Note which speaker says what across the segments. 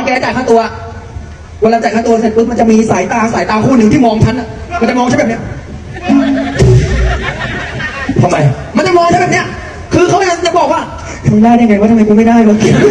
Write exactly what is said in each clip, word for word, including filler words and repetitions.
Speaker 1: แกจ่ายค่าตัวเวลาจ่ายค่าตัวเสร็จปุ๊บมันจะมีสายตาสายตาคู่หนึ่งที่มองฉันอ่ะมันจะมองฉันแบบเนี้ย
Speaker 2: ทำไม
Speaker 1: มันจะมองฉันแบบเนี้ยคือเขาจะบอกว่าทำได้ได้ไงว่าทำไมกูไม่ได้วะ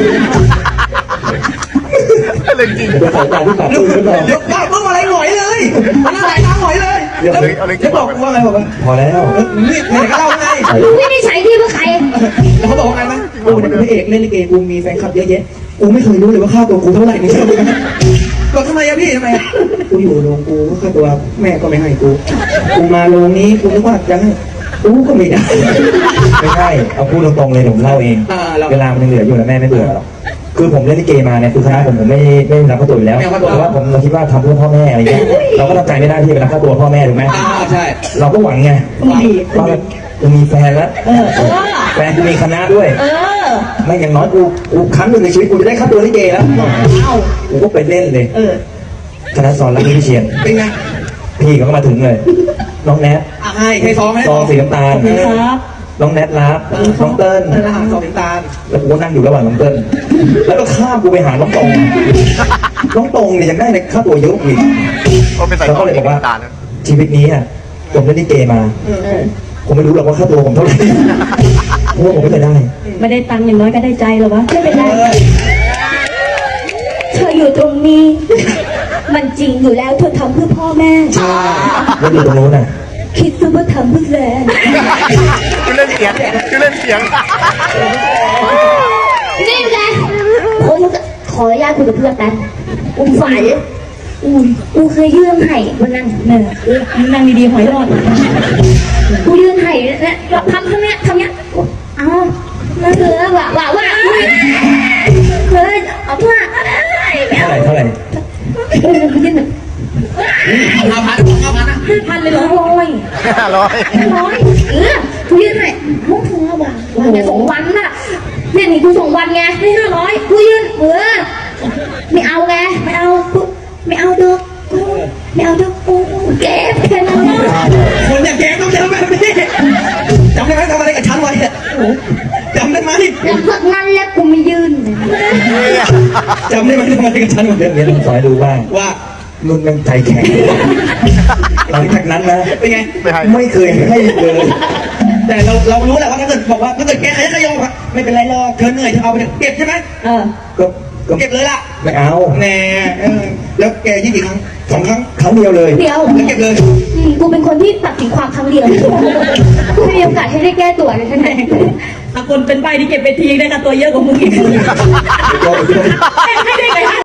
Speaker 2: เรื่องจริงเดี๋ยวสายตาที่ตัดตื้นหรือเปล่า
Speaker 1: เดี๋ยวบ้าเพิ่งอะไรหน่อยเลยมันสายตาหน่อยเลยแล้วจะบอกว่าไงบอกว่า
Speaker 2: พอแล้ว
Speaker 1: นี่ไหนก็เล่าไง
Speaker 3: มึงไม่ได้ใช้ที่เพื่อใคร
Speaker 1: แล้วเขาบอกว่าไงไหมกูเป็นพระเอกเล่นลิเกกูมีแฟนคลับเยอะแยะกูไม่เคยรู้เลยว่าค่าตัวกูเท่าไหร่นี่บอกทำไมอะพี่ทำไมกูอยู่โรงกูก็ค่าตัวแม่ก็ไม่ให้กูกูมาโรงนี้กูนึกว่าจะให้กูก็ไม่ได้
Speaker 2: ไม่ใช่เอาพูดตรงๆเลยผมเล่าเองเวลามันยังเหลืออยู่นะแม่ไม่เบื่อหรอกคือผมเล่นลิเกมาเนี่ยคือคณะผมผมไม่ไม่รับค่าตัวอยู่แล้วเพราะว่าผมเราคิดว่าทำเพื่อพ่อแม่อะไรเงี้ยเราก็ทำใจไม่ได้ที่ไปรับค่าตัวพ่อแม่ถูกไหม
Speaker 1: ใช่
Speaker 2: เราก็หวังไงว่ากูมีแฟนแล้วแฟนกูมีคณะด้วยไม่อย่างน้อยกูกูครั้งหนึ่งในชีวิตกูจะได้ค่าตัวลิเกแล้วกูก็ไปเล่นเลยคณะสอนรักพี่เชียน
Speaker 1: เป็นไง
Speaker 2: พี่เขาก็มาถึงเลยน้องแนท
Speaker 1: ใช่เคยซ้อมไหม
Speaker 2: ซองสีน้ำตาลน้องแนทรับน้องเติ้ล
Speaker 1: ทหารซองสีน้ำตาล
Speaker 2: แล้วกูก็นั่งอยู่ระหว่างน้องเติ้ลแล้วก็ข้ามกูไปหาน้องตรงน้องตรงเนี่ยยังได้ในค่าตัวเยอะอีกแล้วก็เลยบอกว่าชีวิตนี้อ่ะผมเล่นลิเกมาผมไม่รู้หรอกว่าค่าตัวผมเท่าไหร่เพราะว่าผมไม่เคยได้
Speaker 3: ไม่ได้ตังค์อย่างน้อยก็ได้ใจหรอวะไม่เป็นไรเธออยู่ตรงนี้มันจริงอยู่แล้วเธอทำเพื่อพ่อแม่
Speaker 2: แล้วอยู่ตรงโน้นน่ะ
Speaker 3: คิดซะว่าทำเพื่อแฟน
Speaker 2: คือเล่นเสียงคือเล่นเสียง
Speaker 3: นี่ไงผมขออนุญาตคุยกับเพื่อนกันอุ้มฝ่ายอุ้ยกูเคยยื่นไห่วันนั้นเนี่ยนั่งดีๆหอยรอดกูยื่นไห่เนี่ยทำทำเนี้ยทำเนี้ยเอ้านั่นคือว่าว่าว่าเคยเอาเพื่อ
Speaker 2: เท่าไหร่เท่าไหร่
Speaker 3: เออกูยื่นแบบ
Speaker 1: ห้าพันห้าพันนะ
Speaker 3: ห้าพันเลยเหรอร้อย
Speaker 2: ห้าร้อย
Speaker 3: ร้อยเออกูยื่นไห่มุกถึงห้าบาทเนี่ยสองวันน่ะเนี่ยนี่กูสองวันไงไม่ห้าร้อยกูยื่นเออไม่เอาไงไม่เอาไม่เอาดอกไม่เอาดอกกูเก็บแค่นั้น
Speaker 1: คนอย่างแกต้องเจอแบบนี้จำได้ไหมทำอะไรกับฉันไว้จำได้ไหม
Speaker 3: แล้วพวกนั้นแล้วกูไม่ยืน
Speaker 1: จำได้ไหมทำอะไรกับฉันไว้
Speaker 2: เรื่องนี้ต้องสอนดูบ้าง
Speaker 1: ว่า
Speaker 2: นุ่นมันใจแข็งหลังจากนั้นนะ
Speaker 1: เป็นไง
Speaker 2: ไม่เคยให้เลย
Speaker 1: แต่เราเรารู้แหละว่าถ้าเกิดบอกว่าถ้าเกิดแกขยันขยอครับไม่เป็นไรหรอกเธอเหนื่อยเธอเอาไปเก็บใช่ไหม
Speaker 3: เออ
Speaker 1: ก็เก็บเลยล่ะ
Speaker 2: ไม่เอา
Speaker 1: แน่แล้วแกยี่กี่ครั้งสองครั้ง
Speaker 2: ครั้งเดียวเลย
Speaker 3: เดียว
Speaker 1: เก็บเลย
Speaker 3: กูเป็นคนที่ตัดสินความครั้งเดียวกูไม่มีโอกาสให้ได้แก้ตัวเลยใช่ไหมถ้าคนเป็นใบที่เก็บไปทีได้ค่าตัวเยอะกว่ามึงอีกให้ได้